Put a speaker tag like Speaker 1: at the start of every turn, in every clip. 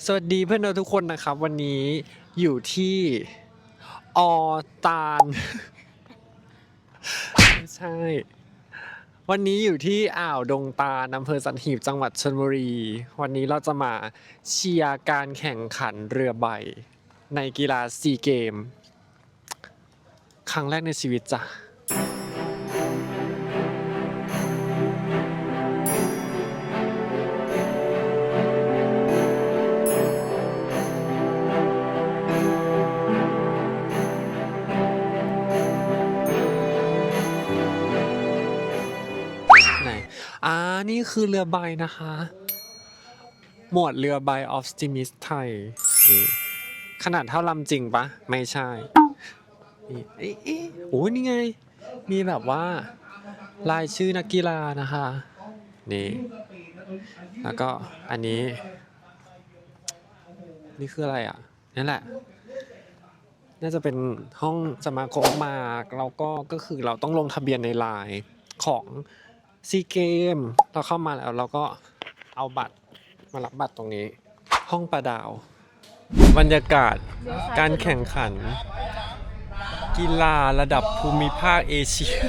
Speaker 1: สวัสดีเพื่อนเราทุกคนนะครับวันนี้อยู่ที่อตาล ไม่ใช่วันนี้อยู่ที่อ่าวดงตาลอำเภอสัตหีบจังหวัดชลบุรีวันนี้เราจะมาเชียร์การแข่งขันเรือใบในกีฬาซีเกมครั้งแรกในชีวิตจ้ะนี่คือเรือใบนะคะ หมวดเรือใบ Optimist ไทยนี่ขนาดเท่าลำจริงปะไม่ใช่นี่โอ้ยนี่ไง มีแบบว่ารายชื่อนักกีฬานะคะนี่แล้วก็อันนี้นี่คืออะไรอ่ะนั่นแหละน่าจะเป็นห้องสมาคมมาแล้วก็คือเราต้องลงทะเบียนในไลน์ของซีเกมเราเข้ามาแล้วเราก็เอาบัตรมารับบัตรตรงนี้ห้องประดาวบรรยากาศการแข่งขันกีฬาระดับภูมิภาคเอเชีย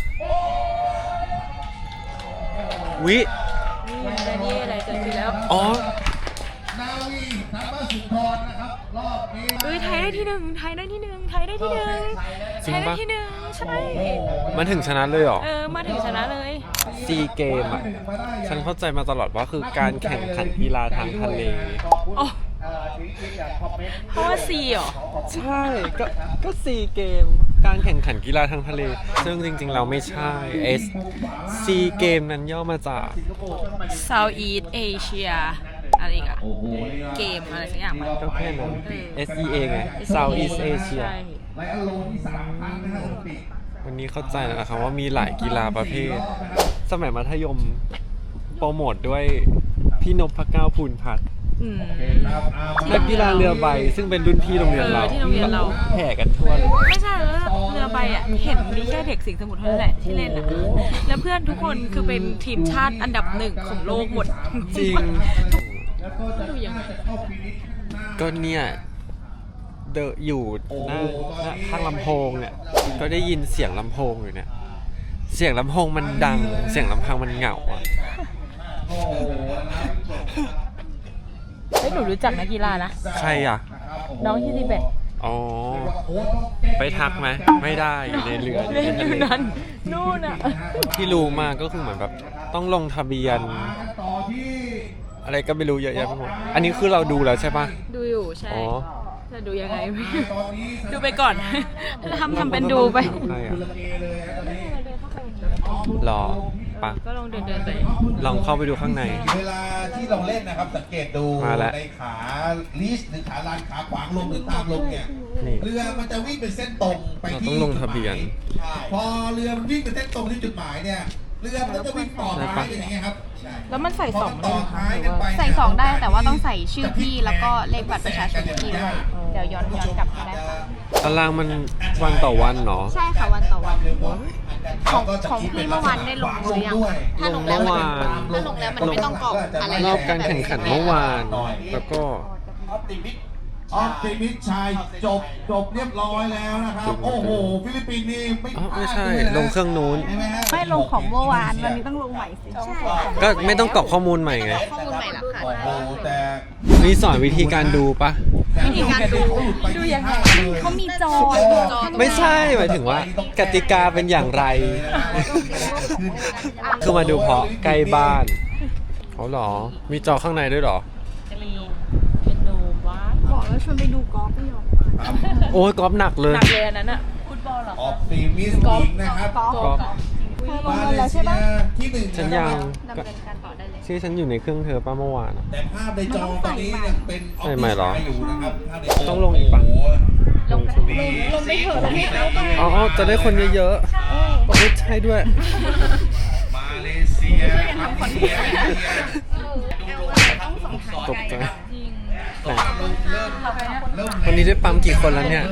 Speaker 1: วิ
Speaker 2: นี่อะไรเกิดขึ้นแล้ว
Speaker 1: อ๋อ
Speaker 3: นาวีทัพสุนทรนะครับรอบนี้
Speaker 2: ไทยได้ที่หนึ่งไทยได้ที่หนึ่งไทยได้ที่หนึ่งไทยได้ที่หนึ่งใช่
Speaker 1: มันถึงชนะเลยเหรอ
Speaker 2: มาถึงชนะเลย
Speaker 1: ซีเกมอ่ะฉันเข้าใจมาตลอดว่าคือการแข่งขันกีฬาทางทะเล
Speaker 2: เพราะว่าซีเหรอ
Speaker 1: ใช่ก็ซีเกมการแข่งขันกีฬาทางทะเลซึ่งจริงๆเราไม่ใช่ซีเกมนั้นย่อมาจาก
Speaker 2: Southeast Asia อะไรอีกอะเกมอะไรสักอย่างมั้ย
Speaker 1: ก็แค่นั้น SEA ไง Southeast Asia วันนี้เข้าใจแล้วนะครับว่ามีหลายกีฬาประเภทสมัยมัธยมโปรโมทด้วยพี่นพเก้าภูลพัฒน์นักกีฬาเรือใบซึ่งเป็นรุ่นพี่โรงเรียนเราแห่กันทั่วเลย
Speaker 2: ไม่ใช่แล้วเรือใบอ่ะเห็นมีแค่เด็กสิงห์สมุทรเท่านั้นแหละที่เล่นอ่ะแล้วเพื่อนทุกคนคือเป็นทีมชาติอันดับหนึ่งของโลกหมด
Speaker 1: จริง
Speaker 2: ดูยังไง
Speaker 1: ก็เนี่ยอยู่หน้าข้างลำโพงเนี่ยก็ได้ยินเสียงลำโพงอยู่เนี่ยเสียงลำโพงมันดังเสียงลำพังมันเหงาอ่ะ
Speaker 2: หนูรู้จักนักกีฬานะ
Speaker 1: ใครอ่ะ
Speaker 2: น้องที่ทิเบต
Speaker 1: อ๋อไปทักไหมไม่ได้อยู่ในเรือ
Speaker 2: อยู่นั่นนู่นอ่ะ
Speaker 1: ที่รู้มาก็คือเหมือนแบบต้องลงทะเบียนอะไรก็ไม่รู้เยอะแยะไปหมดอันนี้คือเราดูแล้วใช่ปะ
Speaker 2: ดูอยู่ใช่จะดูยังไงดูไปก่อนทำเป็นดูไป
Speaker 1: รอปะ
Speaker 2: ก็ลองเดินไป
Speaker 1: ลองเข้าไปดูข้างใน
Speaker 3: เวลาที่เราเล่นนะครับสังเกตดูในขาลีชหรือขาลานขาขวางลงหรือตามลงเนี่ยเรือมันจะวิ่งเป็นเส้นตรงไปที่
Speaker 1: ต้องลงทะเบียน
Speaker 3: พอเรือมันวิ่งเป็นเส้นตรงที่จุดหมายเนี่ยเรือมันจะวิ่งต่อท้ายอย่างเงี้ยครับ
Speaker 2: แล้วมันใส่2
Speaker 3: ต่อท้ายกันไป
Speaker 4: ใส่2ได้แต่ว่าต้องใส่ชื่อพี่แล้วก็เลขบัตรประชาชนพี่ด้วยเดี๋ยวย้อนกลับมาได้ค่ะ
Speaker 1: ตารางมันวันต่อวันเนาะ
Speaker 4: ใช่ค่ะวันต่อวันของพี่เมื่อวานได้ลงหรือยังถ้าลงแล้วมันไม่ต้องกรอกอะไร
Speaker 1: รอบการแข่งขันเมื่อวานแล้วก็
Speaker 3: ออปติมิชชัยจบเรียบร้อยแล้วนะครับโอ้โหฟิลิปปินส์นี่
Speaker 1: ไม่ใช่ลงเครื่องนู้น
Speaker 4: ไม่ลงของเมื่อวานวันนี้ต้องลงใหม่สิใช่
Speaker 1: ก็ไม่ต้องกรอกข้อมูลใหม่ไง
Speaker 4: ข้อมูลใหม่หลักฐาน
Speaker 3: โอ้โหแต่
Speaker 1: มีสอนวิธีการดูปะ
Speaker 4: วิธีการดูยังไงเขามีจอ
Speaker 1: ไม่ใช่หมายถึงว่ากติกาเป็นอย่างไรคือมาดูเพราะใกล้บ้านเขาหรอมีจอข้างในด้วยหรอ
Speaker 4: บอกแล้วชวนไปดูกอล์ฟไม่ยอม
Speaker 1: โอ้ยกอล์ฟหนักเลย
Speaker 2: หนักเลยอันนั้นอะฟุตบอลเหรอ
Speaker 3: ออปติมิสต์อีกนะครับ
Speaker 4: กอล์ฟมาเลเซีย
Speaker 3: ที่1
Speaker 1: ฉันยัง
Speaker 4: ดำเนินการต่อได้เลย
Speaker 1: ชื่อฉันอยู่ในเครื่องเธอป้าเมื่อวาน
Speaker 3: แต่ภาพในจอตอนนี้ยังเป็นออปติมิสต์อยู่นะครับ
Speaker 1: ต้องลงอีกปะ
Speaker 4: ลงไปเถอะให้เขาไป
Speaker 1: อ๋อจะได้คนเยอะๆไม่ใช่ด้วย
Speaker 3: มาเลเซีย
Speaker 1: ตกใจวันนี้ได้ปั๊มกี่คนแล้วเนี่ย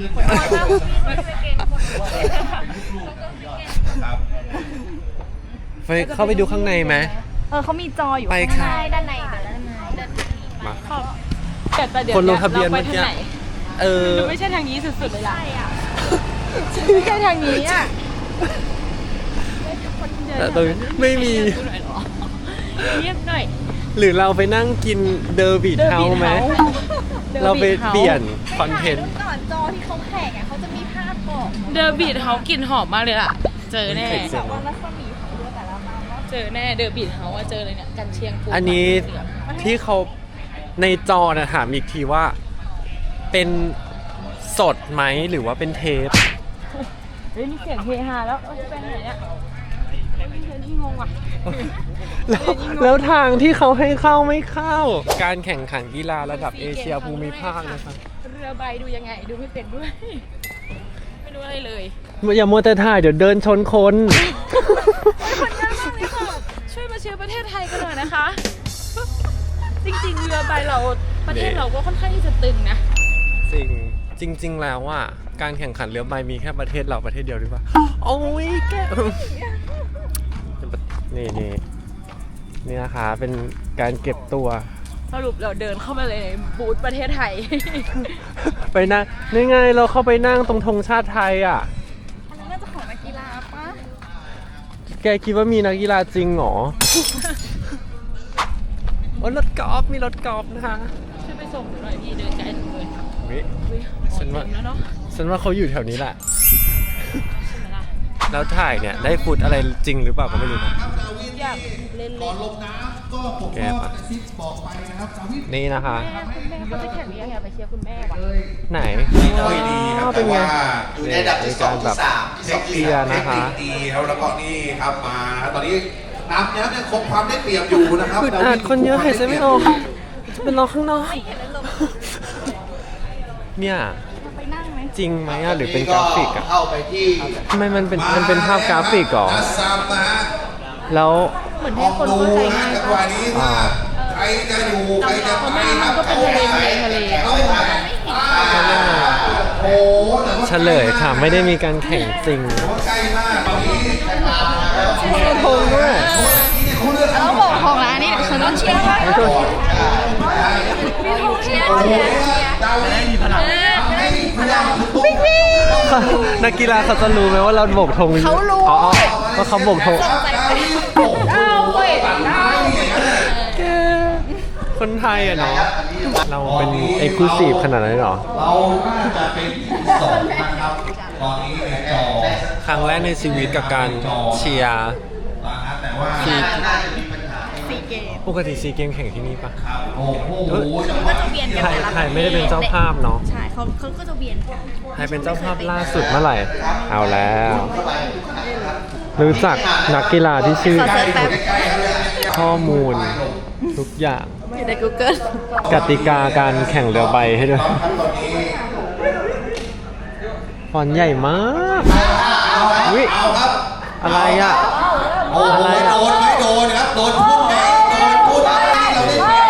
Speaker 1: ไปเข้าไปดูข้างในไหม
Speaker 4: เขามีจออยู่
Speaker 1: ไป
Speaker 4: ข้างในด้านใน
Speaker 1: มา
Speaker 2: แต่เดี๋ยว
Speaker 1: คนลงทะเบียน
Speaker 2: ราไป
Speaker 1: เมื่อกี้
Speaker 2: ทางไหน ดูไม่ใช่ทางนี้สุดๆเลยล่ะไม่ใช่ทางนี้อ่ะ
Speaker 1: แต่ตรงนี้ไม่มี
Speaker 2: เงียบหน่อย
Speaker 1: หรือเราไปนั่งกินเดอร์บิทเฮาส์ไหมเราไปเปลี่ยนคอนเทนต์
Speaker 4: ก่อนจอที่เขาแข่งอ่ะเขาจะมีภาพบอก
Speaker 2: เดอร์บีทเฮาส์กลิ่นหอมมากเลยล่ะ เจอแน่
Speaker 4: แต่ว่ารัศมีของเรือแต่ละมาว่า
Speaker 2: เจอแน่เดอร์บีทเฮาส์ว่าเจอเลยเนี่ยกันเชียงปู
Speaker 1: อันนี้ที่เขาในจอนะถามอีกทีว่าเป็นสดไหมหรือว่าเป็นเทป
Speaker 2: เฮ้ยมีเสียงเฮฮาแล้วจะไปไหนเนี่ยที่งงอ่ะ
Speaker 1: แล้วทางที่เขาให้เข้าไม่เข้า การแข่งขันกีฬาระดับเอเชียภูมิภาคนะครับ
Speaker 2: เรือใบดูยังไงดูไม่เป็นด้วย ไม่รู้อะไรเลย
Speaker 1: อย่ามัวแต่ถ่ายเดี๋ยวเดินชนคน
Speaker 2: คนเยอะมากเลยค่ะช่วยมาเชียร์ประเทศไทยกันหน่อยนะคะ จริงๆเรือใบเราประเทศเราก็ค่อนข้างที่จะตึงนะ
Speaker 1: จริงแล้วว่าการแข่งขันเรือใบมีแค่ประเทศเราประเทศเดียวหรือเปล่าโอ้ยแกนี่นะคะเป็นการเก็บตัว
Speaker 2: สรุปเราเดินเข้ามาเลยในบูธประเทศไทย
Speaker 1: ไปนั่งนี่ไงเราเข้าไปนั่งตรงธงชาติไทยอ่ะ
Speaker 4: อันนั้นน่าจะของนักกีฬาปะ
Speaker 1: แกคิดว่ามีนักกีฬาจริงเหรอ โอ้รถกอล์ฟมีรถกอล์ฟนะคะ
Speaker 2: ช่วยไปส่งหน่อยพี่เดินไกลจังเลย
Speaker 1: ฉันว่า
Speaker 2: แล้วเนาะ
Speaker 1: ฉันว่าเขาอยู่แถวนี้แหละ
Speaker 2: ใช่ไหมล่ะ
Speaker 1: แล้วถ่ายเนี่ยได้ฟุตอะไรจริงหรือเปล่าก็ไม่รู้นะ
Speaker 2: อยากเล่น
Speaker 3: ก่อนลงน้ำก็ผมก็กระซิบบอกไปนะครับสาวิ
Speaker 1: นี่นะคะ
Speaker 2: แม่คุณแม่เขาจะแข่งนี้อยากไปเชียร์คุณแม่ว่ะ
Speaker 1: ไหน
Speaker 3: ไม่ดีครับ
Speaker 1: เป็นไง
Speaker 3: อยู่ในอันดับที่ 2 ที่ 3 ที่
Speaker 1: เชียร์นะคะ
Speaker 3: ดีครับแล้วก็นี่ครับมาตอนนี้น้ำเนี่ยคงความได้เปรียบอยู่นะครับ
Speaker 1: อึดอัดคนเยอะหายใจไม่ออกจะเป็นรอข้างนอกเนี่ย
Speaker 4: ไปนั่งไหม
Speaker 1: จริงไหมอะหรือเป็นกราฟิกอะ
Speaker 3: เข้าไปที่
Speaker 1: ทำไมมันเป็นภาพกราฟิกเหรอ
Speaker 3: อัสซัมนะฮะ
Speaker 1: แล้ว
Speaker 2: เหมือนให้คนเข้าใจง่าย
Speaker 3: จังห
Speaker 2: ป่ะ
Speaker 3: วะนี้ถ้าใครจะอยู่ใครจะไปครับ
Speaker 2: ก็เป็นทะเล
Speaker 3: เข้าไปโอ้โหแต่ว่า
Speaker 1: เฉลยค่ะไม่ได้มีการแข่งจริง
Speaker 3: ใกล้มากตอนนี้ใครตามมาแล้ว
Speaker 1: เชียร์ธงด้วย
Speaker 3: เขาเลือก
Speaker 4: เราบอกของร้านนี่ฉันต้องเชียร์ว่ามีธงเชียร์เชียร์
Speaker 3: ดาวไม่มีพลังให้พลังทุก
Speaker 1: นักกีฬาเขาจะรู้ไหมว่าเราโบกธง
Speaker 4: เขารู้
Speaker 1: อ๋อว่าเขาโบกธง แกคนไทยอะเนาะเราเป็นเอกลูซีฟขนาดนั้นเลยเหรอ
Speaker 3: เราน่าจะเป็นที่สองนะครับตอนนี้ในจอ
Speaker 1: ครั้งแรกในชีวิตกับการเชียร์
Speaker 3: แต่ว่า
Speaker 4: ซีเกม
Speaker 1: ปกติซีเกมแข่งที่นี่ปะ
Speaker 3: โอ้โห
Speaker 4: ก็จะเวียนกัน
Speaker 1: ไทยไม่ได้เป็นเจ้าภาพเนาะ
Speaker 4: ใช่เขาก็จะเวียนกัน
Speaker 1: ไทยเป็นเจ้าภาพล่าสุดเมื่อไหร่ เอาแล้ว รู้จักนักกีฬาที่ชื่อ
Speaker 4: ขอเซิร์ชแป๊บ
Speaker 1: ข้อมูลทุกอย่าง
Speaker 4: อยู่ใน Google
Speaker 1: กติกาการแข่งเรือใบให้ด้วยฟอนต์ใหญ่มากวิ
Speaker 3: เอาครับ
Speaker 1: อะไรอ่ะ
Speaker 3: โอ้โห
Speaker 1: อะไรอ่ะ
Speaker 3: โดนไหมโดนครับโดนพุ่งไหมโดนพุ่งไหมเรา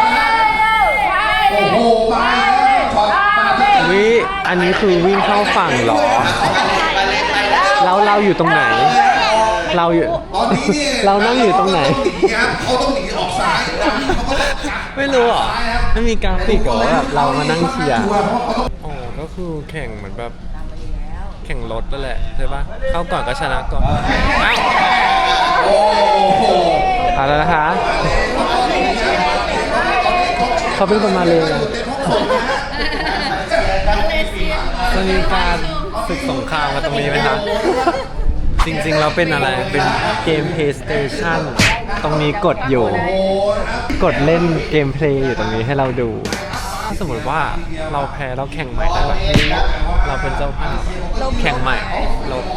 Speaker 3: ได้โอ้โหมาช็อตมา
Speaker 1: วิ อันนี้คือวิ่งเข้าฝั่งเหรอ แล้วเราอยู่ตรงไหน เราอยู่
Speaker 3: ตอนนี้เนี่ย
Speaker 1: เรานั่งอยู่ตรงไหน
Speaker 3: เขาต้องหนีออกซ้ายเขาก็ต้องกลับ
Speaker 1: ไม่รู้เหรอไม่มีกราฟิกเหรอว่าแบบเรามานั่งเชียร์อ๋อก็คือแข่งเหมือนแบบแข่งรถนั่นแหละใช่ปะเข้าก่อนก็ชนะก่อนเอ้า
Speaker 3: โอ้โห
Speaker 1: เอาแล้วนะคะเขาเป็นคนมาเลยจะมีการฝึกสงครามกันตรงนี้ไหมครับจริงๆเราเป็นอะไรเป็นเกม PlayStation ตรงนี้กดอยู่ กดเล่นเกมเพลย์อยู่ตรงนี้ให้เราดู ถ้าสมมติว่าเราแพ้เราแข่งใหม่ได้ไหมเราเป็นเจ้าภาพแข่งใหม่ลบ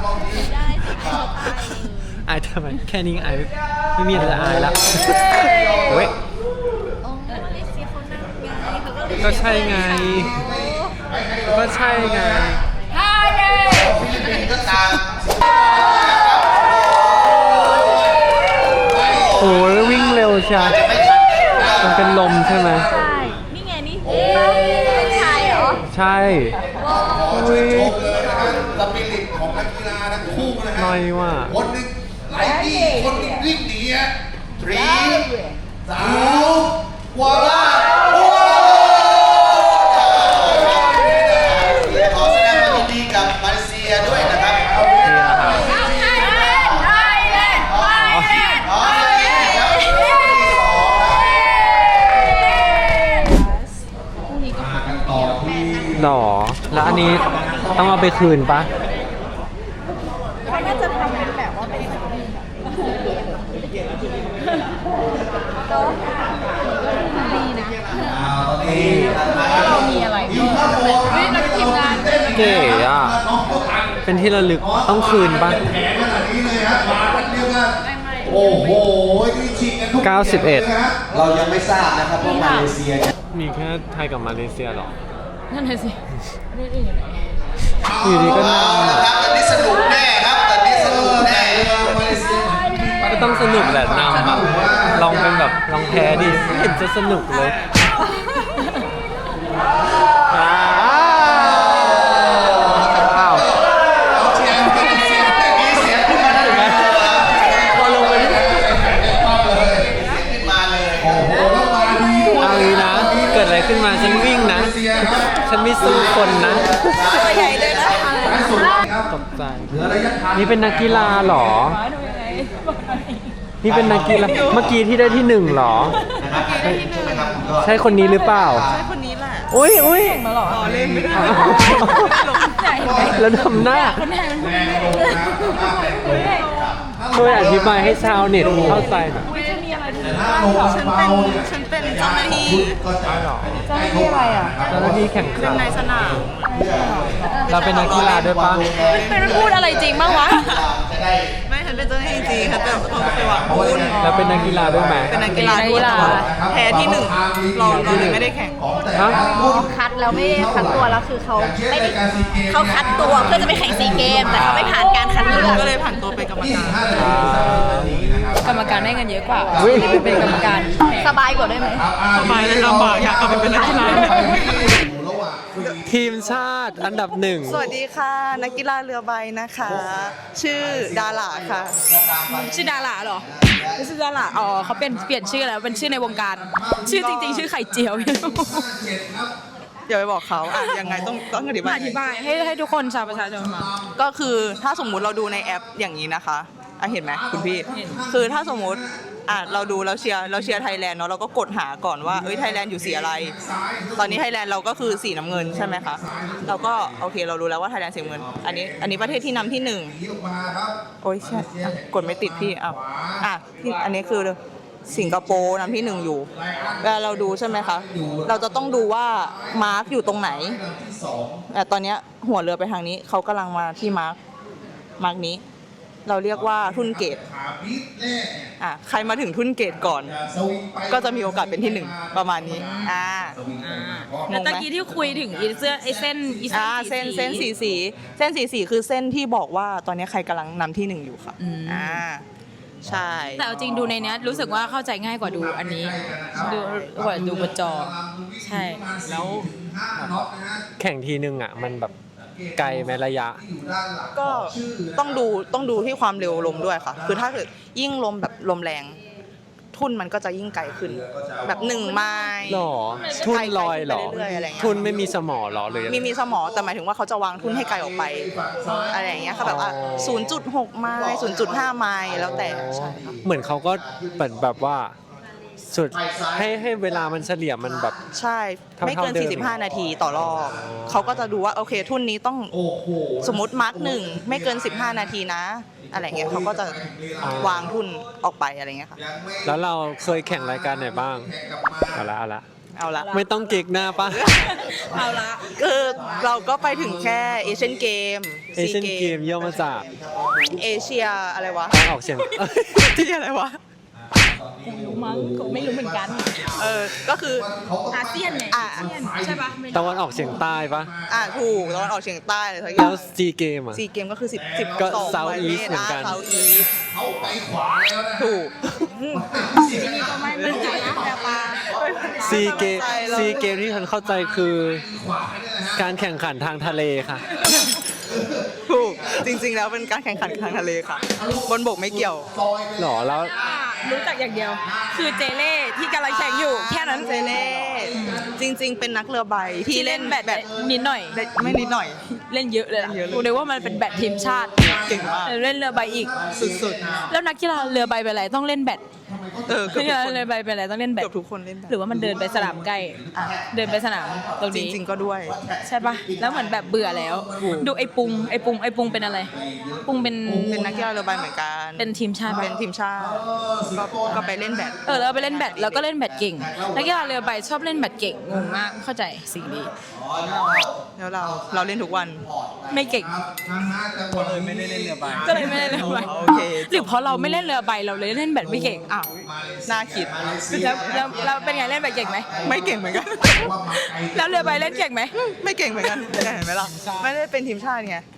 Speaker 1: อายทำไมแค่นี้อายไม่มีอะไรจะอายละเฮ้ยก็ใช่ไง ก็ใช่ไงโอ้ยวิ่งเร็วใช่มันเป็นลมใช่ไหม
Speaker 4: ใช่ นี่ไงนี่เป็นชายเหรอ
Speaker 1: ใช่อุ้ย
Speaker 3: สปิริตของนักกีฬาทั้งคู่นะค
Speaker 1: ห
Speaker 3: รั
Speaker 1: น่อยว่ะ
Speaker 3: คนหนึ่งไล่ที่คนหนึ่งวิ่งหนีฮะ3 2 1
Speaker 1: หรอ แล้วอันนี้ต้องเอาไปคืนปะ
Speaker 2: เขาน่าจะทำเป็นแบบว่าเป็นดีนะเรามีอะไรก็นักทีมงาน
Speaker 1: เก๋อ่ะ เป็นที่ระลึกต้องคืนปะ
Speaker 3: แผงขนาดนี้เลยฮะมากันเรียกว่าโอ้โหนี่ฉีกกันทุก
Speaker 1: 91
Speaker 5: เรายังไม่ทราบนะครับว่ามาเลเซียเนี่ย
Speaker 1: มีแค่ไทยกับมาเลเซียหรอ
Speaker 2: นั่นเลยสิประเทศอื่นอยู่ไหน
Speaker 1: อยู่ดีก็น
Speaker 5: ครับตอนนี้สนุกแน่ครับตอนนี้สนุกแน่
Speaker 1: ำก็ต้องสนุกแหละนำอะลองเป็นแบบลองแพ้ดิไม่เห็นจะสนุกเลยอ้าวพอลงไปนี่
Speaker 5: มาเลย
Speaker 1: เอางี้นะ เกิดอะไรขึ้นมาฉันวิ่งนะ ฉันไม่สู้คนนะ
Speaker 2: ตัวใหญ่เลยนะ
Speaker 1: ตกใจ นี่เป็นนักกีฬาเหรอ
Speaker 2: ดูยังไง
Speaker 1: นี่เป็นนักกีฬา เมื่อกี้ที่ได้ที่หนึ่งเหรอ ใช่คนนี้หรือเปล่า
Speaker 2: ใช่คนนี้แหละ
Speaker 1: อุ้ยอุ้ย
Speaker 2: มาหรอเล่นไม่ได้ใช่
Speaker 1: แล้วทำหน้า
Speaker 2: คนไทยมัน
Speaker 1: ช่วยอธิบายให้ชาวเน็ตเข้าใจหน่อย
Speaker 2: จะมีอะไรที่
Speaker 3: ฉันเป็นเจ้าหน้าที่
Speaker 2: เจ้าหน้าที่อะไรอ่ะ
Speaker 1: เจ้าหน้าที่แข่งขัน
Speaker 2: ในสนาม
Speaker 1: เราเป็นนักกีฬาด้วยปะ
Speaker 2: เป็นพูดอะไรจริงบ้างวะ
Speaker 6: ไม่ฉันเป็นเจ้าหน้าที่จริงค่ะแต่ผมเคยหวังบุญ
Speaker 1: เราเป็นนักกีฬาด้วยไหม
Speaker 6: เป็นนักกีฬาด้วยแต่ว่าแพ้ที่หนึ่งรองเลยไม่ได้แข่ง
Speaker 1: ฮะ
Speaker 4: คัดแล้วไม่คัดตัวแล้วคือเขาไม่ได้เขาคัดตัวเพื่อจะไปแข่งซีเกมแต่เขาไม่ผ่านการคัดเลือก
Speaker 6: ก็เลยผ่านตัวไปนกรรมการ
Speaker 2: กรรมการได้เงินเยอะกว่า
Speaker 1: อุ๊ย
Speaker 2: เป็นกรรมการ
Speaker 4: สบายกว่าได้ไหม
Speaker 6: สบายเลยลำบากอยากกลับไปเป็นนักกีฬา
Speaker 1: ทีมชาติอันดับหนึ่ง
Speaker 6: สวัสดีค่ะ นักกีฬาเรือใบนะคะ ชื่อดาราค่ะ
Speaker 2: ชื่อดาราเหรอไม่ชื่อดาราอ๋อเขาเปลี่ยนชื่อแล้วเป็นชื่อในวงการ ชื่อจริงๆ ชื่อไข่เจียว
Speaker 6: อย่าไปบอกเขาอ่ะยังไงต้องอธิบาย
Speaker 2: อธิบายให้ทุกคนชาวประชาชนมา
Speaker 6: ก็คือถ้าสมมุติเราดูในแอปอย่างนี้นะคะอ่ะเห็นไหมคุณพี่ คือถ้าสมมุติอ่ะเราดูเราเชียร์ไทยแลนด์เนาะเราก็กดหาก่อนว่าไทยแลนด์อยู่สีอะไร ตอนนี้ไทยแลนด์เราก็คือสีน้ำเงินใช่ไหมคะเราก็โอเคเรารู้แล้วว่าไทยแลนด์สีน้ำเงินอันนี้ประเทศที่นำที่หนึ่งโอ้ยใช่อ่ะกดไม่ติดพี่อ่ะอันนี้คือสิงคโปร์นำที่หนึ่งอยู่เวลาเราดูใช่ไหมคะเราจะต้องดูว่ามาร์กอยู่ตรงไหนแต่ตอนเนี้ยหัวเรือไปทางนี้เขากำลังมาที่มาร์กนี้ เราเรียกว่าทุ่นเกตใครมาถึงทุ่นเกตก่อน ก็จะมีโอกาสเป็นที่หนึ่งประมาณนี้ง
Speaker 2: แล้ว
Speaker 6: ง
Speaker 2: ตะ
Speaker 6: ไหม
Speaker 2: กี้ที่คุยถึงไอ้เส้น
Speaker 6: เส้นสีคือเส้นที่บอกว่าตอนนี้ใครกำลังนำที่หนึ่งอยู่ค่ะใช่
Speaker 2: แต่เอาจริงดูในเนี้ยรู้สึกว่าเข้าใจง่ายกว่าดูอันนี้ดูกว่าดูบนจอ ใช่
Speaker 1: แล้วแข่งทีนึงอ่ะ มันแบบไกลไหมระยะ
Speaker 6: ก็ต้องดูที่ความเร็วลมด้วยค่ะ คือถ้าเกิดยิ่งลมแบบลมแรงทุ่นมันก็จะยิ่งไกลขึ้น แบบ1 ไมล์
Speaker 1: หรอ ทุนลอยหรอ
Speaker 6: ไปเรื่อยๆอะไรเงี้ย
Speaker 1: ทุนไม่มีสมอหรอเลย
Speaker 6: มีสมอแต่หมายถึงว่าเขาจะวางทุ่นให้ไกลออกไปอะไรอย่างเงี้ยค่ะแบบ0.6 ไมล์0.5 ไมล์แล้วแต่ใช่ค่ะ
Speaker 1: เหมือนเขาก็เหมือนแบบว่า สุดให้เวลามันเฉลี่ยมันแบบ
Speaker 6: ใช่ไม่เกิน
Speaker 1: เท่าเดิม
Speaker 6: 45 นาทีต่อรอบเขาก็จะดูว่าโอเคทุ่นนี้ต้องสมมติมาร์ก1ไม่เกิน15 นาทีนะอะไรเงี้ยเขาก็จะวางทุ่นออกไปอะไรเงี้ยค่ะ
Speaker 1: แล้วเราเคยแข่งรายการไหนบ้าง เอาละ
Speaker 6: เอาละ
Speaker 1: ไม่ต้องเก๊กหน้าปะ
Speaker 2: เอาละ
Speaker 6: คือเราก็ไปถึงแค่เอเชียนเกม
Speaker 1: เอเชียนเกมย่อมาจาก
Speaker 6: เอเชียอะไรวะ
Speaker 1: ออกเสียง
Speaker 6: ที่อะไรวะ
Speaker 2: รู้มั้งไม่รู้เหมือนกัน
Speaker 6: ก็คือ
Speaker 2: อาเซียนไงใช่ปะไม่
Speaker 1: ตะวันออกเฉียงใต้ปะ
Speaker 6: ถูกตะวันออกเฉียงใต้เลยทั้งอ
Speaker 1: แล้
Speaker 6: ย่าง
Speaker 1: วซีเกมอ่ะ
Speaker 6: ซีเกมก็คือ10
Speaker 1: ก็
Speaker 6: 12
Speaker 1: South
Speaker 6: ประ
Speaker 1: East
Speaker 6: เทศ
Speaker 1: เหมือนกัน
Speaker 6: South East
Speaker 3: เขาไปขวาแล้วนะ
Speaker 6: ถูก
Speaker 2: ไม่มั่นใจนะแต่ปลา
Speaker 1: ซีเกม
Speaker 6: เข้าใจเลย
Speaker 1: ซีเกมที่ฉันเข้าใจคือ การแข่งขันทางทะเลค่ะ
Speaker 6: ถูกจริงๆแล้วเป็นการแข่งขันทางทะเลค่ะ บนบกไม่เกี่ยว
Speaker 1: หรอแล้ว
Speaker 2: รู้จักอย่างเดียว คือเจเล่ที่กำลังแข่งอยู่แค่นั้น
Speaker 6: เจเล่จริง ๆ เป็นนักเรือใบที่
Speaker 2: ที่
Speaker 6: เล่
Speaker 2: เล่
Speaker 6: น
Speaker 2: นแบดนิดหน่อย
Speaker 6: ไม่นิดหน่อย
Speaker 2: เล่นเยอะเลยล่ะ
Speaker 6: เยอะเลย
Speaker 2: กูนึกว่ามันเป็นแบดทีมชาติ
Speaker 6: เก่งมาก
Speaker 2: เล่นเรือใบอีก
Speaker 6: สุด
Speaker 2: แล้วนักกีฬาเรือใบเป็นอะไรต้องเล่นแบด
Speaker 6: ๆเกื
Speaker 2: นั
Speaker 6: อบ
Speaker 2: กกี
Speaker 6: ทุก
Speaker 2: ฬา
Speaker 6: คน
Speaker 2: เรือใบเป็นอะไรต้องเล่นแบด
Speaker 6: เกือบทุกคนเล่นแบบ
Speaker 2: หรือว่ามันเดินไปสนามใกล้เดินไปสนามตรง
Speaker 6: จ
Speaker 2: นี้
Speaker 6: ริงๆก็ด้วย
Speaker 2: ใช่ปะแล้วเหมือนแบบเบื่อแล้ว ดูไอ้ปุงเป็นอะไร ปุงเป็น
Speaker 6: เป็นนักกีฬาเรือใบเหมือนกัน
Speaker 2: เป็นทีมชาติปะ
Speaker 6: เป็นทีมชาติก็ไปเล่นแบด
Speaker 2: แล้วไปเล่นแบดแล้วก็เล่นแบดเก่งนักกีฬาเรือใบชอบเล่นแบดเก่งงงมากเข้าใจสิ่งนี้
Speaker 6: แล้วเราเล่นทุกวัน
Speaker 2: ไม่เก่ง
Speaker 3: ก็เลยไม่ได้เล่นเรือใบ
Speaker 2: ก็เลยไม่เล่นเรือใบ
Speaker 6: โอเค
Speaker 2: หรือเพราะเราไม่เล่นเรือใบเราเลยเล่นแบดไม่เก่ง
Speaker 6: อ้าวน่าคิด
Speaker 2: แล้วเป็นไงเล่นแบดเก่งไหม
Speaker 6: ไม่เก่งเหมือนกัน
Speaker 2: แล้วเรือใบเล่นเก่งไหม
Speaker 6: ไม่เก่งเหมือนกันเห็นไหมล่ะไม่ได้เป็นทีมชาติไง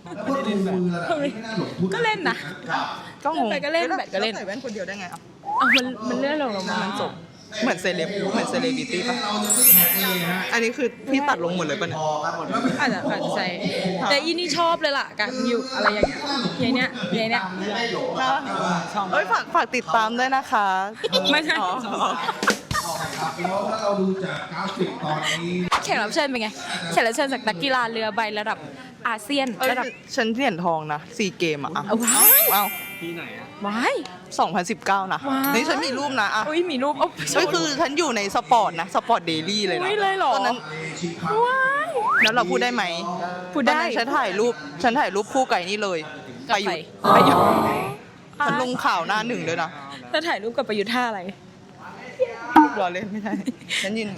Speaker 2: ก็เล่นนะ
Speaker 6: ก็งง
Speaker 2: ไปก็เล่นแบดก็เล่น
Speaker 6: ใส่แว่นคนเดียวได้ไงอ่ะ
Speaker 2: เอามันเลื่อนลงมา
Speaker 6: มันจบเหมือนเซเลบริตี้ป่ะอันนี้คือพี่ตัดลงหมดเลยป่ะเนี่ย
Speaker 2: อาจจะใช่แต่อีนี่ชอบเลยล่ะการอยู่อะไรอย่างเงี้ยอย่างเนี้ย
Speaker 6: เอ้ยฝากติดตามด้วยนะคะ
Speaker 2: ไม่ใช่
Speaker 6: อ๋อ
Speaker 3: แล้วถ้าเราดูจากกราฟิกตอนนี้
Speaker 2: แขกรับเชิญเป็นไงแขกรับเชิญจากนักกีฬาเรือใบระดับอาเซียน
Speaker 6: เอ้ย
Speaker 2: ระดับ
Speaker 6: ฉันเหรียญทองนะ4 เกมอ่ะ
Speaker 2: เอาว้าย
Speaker 6: เอา
Speaker 2: ว้าย
Speaker 6: 2019 นะ
Speaker 2: ว้าว
Speaker 6: นี่ฉันมีรูปนะอ่ะ
Speaker 2: อุ้ยมีรูปโอ้
Speaker 6: เฮ้ยคือฉันอยู่ในสปอร์ตนะสปอร์ตเดลี่เลยนะ
Speaker 2: อุ้ยเลยเหรอ
Speaker 6: ตอนนั้น
Speaker 2: ว้าย
Speaker 6: แล้วเราพูดได้ไหม
Speaker 2: พูดได้
Speaker 6: ตอนนั้นฉันถ่ายรูปคู่ไก่นี่เลยไปอยู่
Speaker 2: ไปอยู่
Speaker 6: ฉันลงข่าวหน้าหนึ่งด้วยนะ
Speaker 2: แล้วถ่ายรูปกับประยุทธ์ท่าอะไร
Speaker 6: รอเล่นไม่ได้ฉันยืน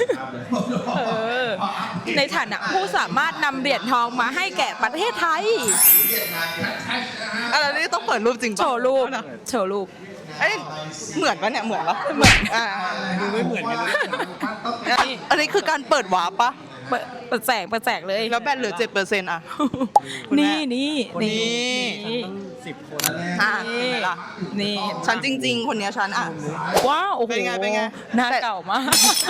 Speaker 2: ในฐานะผู้สามารถนำเหรียญทองมาให้แก่ประเทศไทย
Speaker 6: อะไรนี่ต้องเปิดรูปจริงปะ
Speaker 2: โชว์รูป
Speaker 6: เอานะ
Speaker 2: โชว์รูป
Speaker 6: เอ้ยเหมือนปะเนี่ยเหมือนปะ
Speaker 2: เหมือน
Speaker 6: อ่าดูไม่เหมือนกันเลยอันนี้คือการเปิดวาร์ปปะ
Speaker 2: เปิดแสกเลย
Speaker 6: แล้วแบตเหลือ 7%อ่ะ คุณแม่
Speaker 2: นี่
Speaker 6: อ่ะเห็นไหมล่ะ
Speaker 2: นี่
Speaker 6: ฉันจริง ๆ คนเนี้ยฉันอ่ะ
Speaker 2: ว้าวโอ้โห
Speaker 6: เป็นไง
Speaker 2: หน้าเก่ามาก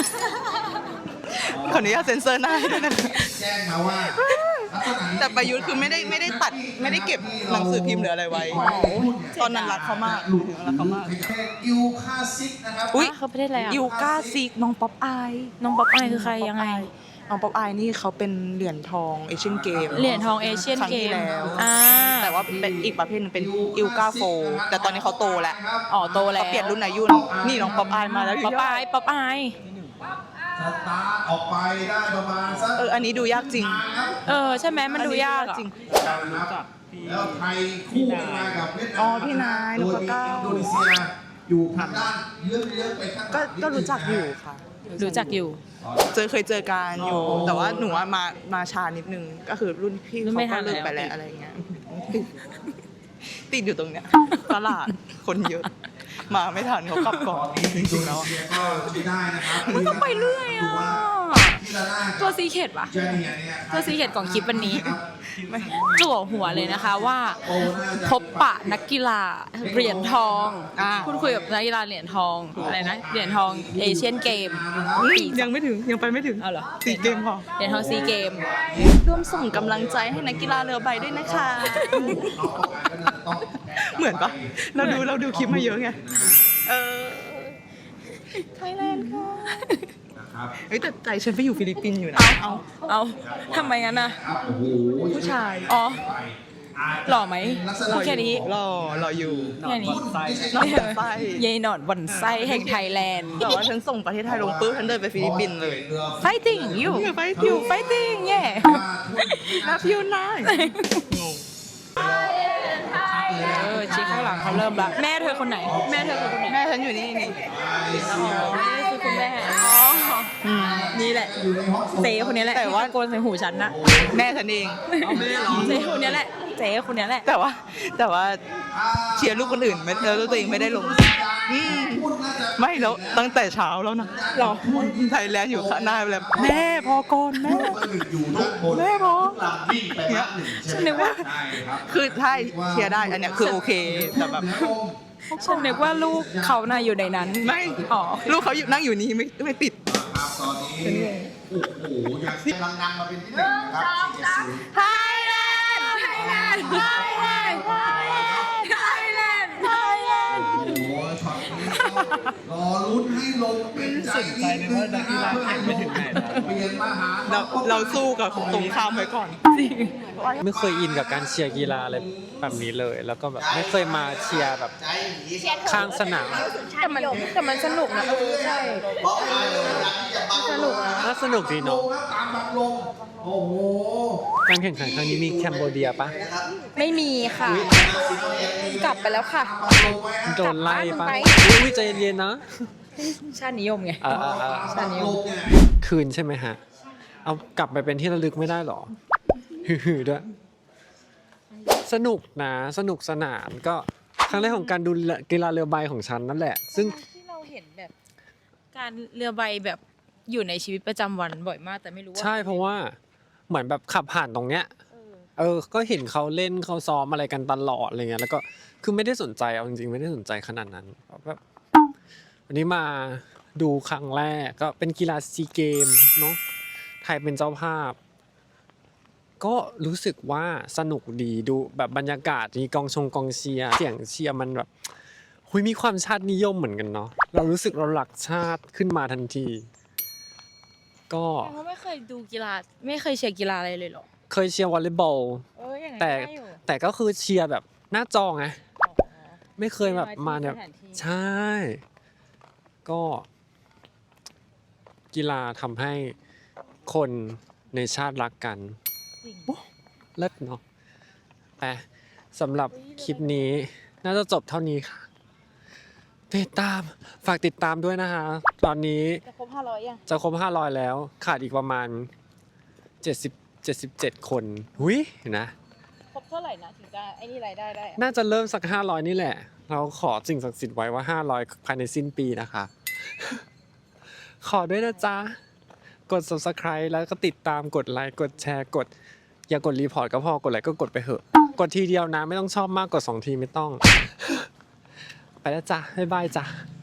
Speaker 6: ขออนุญาตเซ็นเซอร์หน้าให้ด้วยนะคะ
Speaker 3: แจ้งมาว่าลักษณะนี้
Speaker 6: แต่ประยุทธ์คือไม่ได้ตัดไม่ได้เก็บหนังสือพิมพ์หรืออะไรไว้ ตอนนั้นรักเขามากรักเขามาก
Speaker 3: ยูคาซิกนะครับ
Speaker 6: อุ้ย
Speaker 2: เขาประเทศอะไรอ่ะ
Speaker 6: ยูกาซิกน้องป๊อปอาย
Speaker 2: น้องป๊อปอายคือใครยังไง
Speaker 6: น้องป๊อปอายนี่เขาเป็นเหรียญทองเอเชียนเกม
Speaker 2: เหรียญทองเอเชียน
Speaker 6: ครั้ง
Speaker 2: เก
Speaker 6: ที่
Speaker 2: ม
Speaker 6: แล้ว
Speaker 2: อ่า
Speaker 6: แต่ว่าเป็นอีกประเภทหนึงเป็นอิลกาโฟแต่ตอนนี้เขาโตแล้ว
Speaker 2: อ๋อโตแล้ว
Speaker 6: เขาเปลี่ยนรุ่นอายุนี่น้องป๊อปอายมาแล้ว
Speaker 2: ป๊อปอายป๊อปอาย
Speaker 3: สตาร์ทออกไปได้ประมาณสัก
Speaker 6: อันนี้ดูยากจริง
Speaker 2: ใช่ไหมมันดูยากอ่ะ
Speaker 6: จริง
Speaker 3: นะครับแล้วไทยคู่กันมากับเวียดนาม
Speaker 6: อ๋อพี่นาย
Speaker 3: โดย
Speaker 6: นพเก้า
Speaker 3: อินโดนีเซียอยู่ทางด้านเยื้องๆไปข้างหลัง
Speaker 6: ก็รู้จักอยู่ค่ะ
Speaker 2: รู้จักอยู่
Speaker 6: เคยเจอกันอยู่ แต่ว่าหนูว่ามาช้านิดนึงก็คือรุ่นพี่
Speaker 2: รุ่น
Speaker 6: เขา
Speaker 2: ไม่ทั
Speaker 6: ก็
Speaker 2: น
Speaker 6: เลิก
Speaker 2: แล้ว
Speaker 6: ไปแล้วอะไรเงี้ยติดอยู่ตรงเนี้ยตลาดคนเยอะ มาไม่ทันเขากลับก่อนจริงๆแล้วอะ
Speaker 3: เซียก็ไม่ได้นะครับ
Speaker 2: มันต้องไปเรื่อยอ่ะ
Speaker 3: ที่ละหน้า
Speaker 2: ตัวซีเคดปะ
Speaker 3: เจเนียเนี่ย
Speaker 2: ตัวซีเคดของคลิปวันนี้ จั่วหัวเลยนะคะว่าพบปะนักกีฬาเหรียญทอง พูดคุยกับนักกีฬาเหรียญทองอะไรนะเหรียญทองเอเชียนเกมปี
Speaker 6: ยังไม่ถึงยังไปไม่ถึง
Speaker 2: เอาเหรอ
Speaker 6: 4 เกมพอ
Speaker 2: เหรียญทองซีเกม
Speaker 6: ร่วมส่งกำลังใจให้นักกีฬาเรือใบด้วยนะคะ เหมือนปะเราดูคลิปมาเยอะไงไทยแลนด์ค่ะเฮ้ยแต่ใจฉันไปอยู่ฟิลิปปินส์อยู่นะ
Speaker 2: เอาทำไมงั้นน่ะ
Speaker 6: ผู้ชาย
Speaker 2: อ๋อหล่อไหมพูดแค่นี้
Speaker 6: รออยู่
Speaker 2: แค่นี้
Speaker 6: หนอนบ่อนไส้
Speaker 2: ยายหนอนบ่อนไส้แห่งไทยแลนด์
Speaker 6: แต่ว่าฉันส่งประเทศไทยลงปุ๊บฉันเดินไปฟิลิปปินส์เลย
Speaker 2: fighting you
Speaker 6: fighting
Speaker 2: you fighting yeah
Speaker 6: รับยูไน
Speaker 2: ชี้ข้างหลังเขาเริ่มละแม่เธอคนไหน แม่เธอคือคนไหน
Speaker 6: แม่ฉันอยู่นี่นี่
Speaker 2: อ๋อนี่คือคุณแม่อ๋อนี่แหละเจ๊คนนี้แหละที่ตะโกนใส่หูฉันนะ
Speaker 6: แม่ฉันเอง
Speaker 2: เจ๊คนนี้แหละเจ๊คนนี้แหละ
Speaker 6: แต่ว่าเชียร์ลูกคนอื่นไม่แล้วตัวเองไม่ได้ลงไม่แล้วตั้งแต่เช้าแล้วนะรอไทยแลนด์อยู่ข้างหน้าแบบแม่พอก่อนแม่
Speaker 3: อยู่ด้านบน
Speaker 6: แม่พอ
Speaker 3: ลำวิ่งไปพักหนึ่ง
Speaker 2: ฉันนึกว่า
Speaker 3: ใช่ครับ
Speaker 6: คือถ้าเชียร์ได้อันเนี้ยคือโอเคแต่แบบ
Speaker 2: ฉันนึกว่าลูกเขาน่ะอยู่ในนั้น
Speaker 6: ไม่
Speaker 2: อ๋อ
Speaker 6: ลูกเขาอยู่นั่งอยู่นี่ไม่ติด
Speaker 3: ครับตอนนี้โอ้โหอยากกำลังนำมาเป็นที่หนึ่งนะครับ4-0
Speaker 2: ไทยแลนด์ไทยแลนด์ไทยแลนด์ไทยแลนด์ไทยแลนด์
Speaker 3: โอ้โหช็อตนี้รอลุ้นให้ลงเป็นใจนิดนึงนะครับเพื่อให้ลงเปลี่ยนมาหา
Speaker 6: เราสู้กับตรงข้ามไว้ก่อน
Speaker 1: ไม่เคยอินกับการเชียร์กีฬาอะไรแบบนี้เลย แล้วก็แบบไม่เคยมาเชียร์แบบข้างสนาม
Speaker 2: แต่มันสนุกนะใช่สนุกนะ
Speaker 1: น่าสนุกดี
Speaker 3: ล
Speaker 1: เนาะ
Speaker 3: งแล้วตามแบบลงโอ้โห
Speaker 1: การแข่งขันครั้งนี้มีแคนโบเดียปะ
Speaker 2: ไม่มีค่ะ กลับไปแล้วค่ะ
Speaker 1: โดนไล่ปะ
Speaker 2: กลับบ้านไป
Speaker 1: อุ้ยใจเย็นๆนะ
Speaker 2: ชาตินิยมไง
Speaker 1: ชานิยมคืนใช่ไหมฮะ เอากลับไปเป็นที่ระลึกไม่ได้หรอฮือๆด้วยสนุกนะสนุกสนานก็ครั้งแรกของการดูกีฬาเรือใบของฉันนั่นแหละ ซึ่ง
Speaker 2: ที่เราเห็นแบบการเรือใบแบบอยู่ในชีวิตประจำวันบ่อยมากแต่ไม่รู้ว่า
Speaker 1: ใช่เพราะว่าเหมือนแบบขับผ่านตรงเนี้ยก็เห็นเขาเล่นเขาซ้อมอะไรกันตลอดอะไรเงี้ยแล้วก็คือไม่ได้สนใจเอาจริงๆไม่ได้สนใจขนาดนั้นแบบวันนี้มาดูครั้งแรกก็เป็นกีฬาซีเกมเนาะไทยเป็นเจ้าภาพ ก็รู้สึกว่าสนุกดีดูแบบบรรยากาศมีกองเชียร์เสียงเชียร์มันแบบหุยมีความชาตินิยมเหมือนกันเนาะเรารู้สึกเราหลักชาติขึ้นมาทันที ก็
Speaker 2: เพราะไม่เคยดูกีฬาไม่เคยเชียร์กีฬาอะไรเลยเหรอ
Speaker 1: เคยเชียร์วอลเลย์บอล
Speaker 2: อย่างนั้น
Speaker 1: แต่
Speaker 2: ได้อยู่
Speaker 1: แต่ก็คือเชียร์แบบหน้าจอไงไม่เคยแบบมาเนี่ย
Speaker 2: สถานที่
Speaker 1: ใช่ ก็กีฬาทำให้คนในชาติรักกัน
Speaker 2: จริง
Speaker 1: เลิศเนาะแต่สำหรับคลิปนี้น่าจะจบเท่านี้ค่ะฝากติดตามด้วยนะคะ ตอนนี้
Speaker 2: จะครบ500ยัง
Speaker 1: จะครบ500แล้วขาดอีกประมาณ77 คนหุยเห็นนะ
Speaker 2: ครบเท่าไหร่นะถึงจะไอ้นี่รายได้ได้อะ
Speaker 1: น่าจะเริ่มสัก500นี่แหละ เราขอสิ่งศักดิ์สิทธิ์ไว้ว่า500ภายในสิ้นปีนะคะ ขอด้วยนะจ๊ะ กด subscribe แล้วก็ติดตามกดไลค์กดแชร์กดอย่ากดรีพอร์ตก็พอกดไลค์ก็กดไปเหอะกดทีเดียวนะไม่ต้องชอบมากกด2ทีไม่ต้อง ไปแล้วจ้ะบ๊ายบายจ้ะ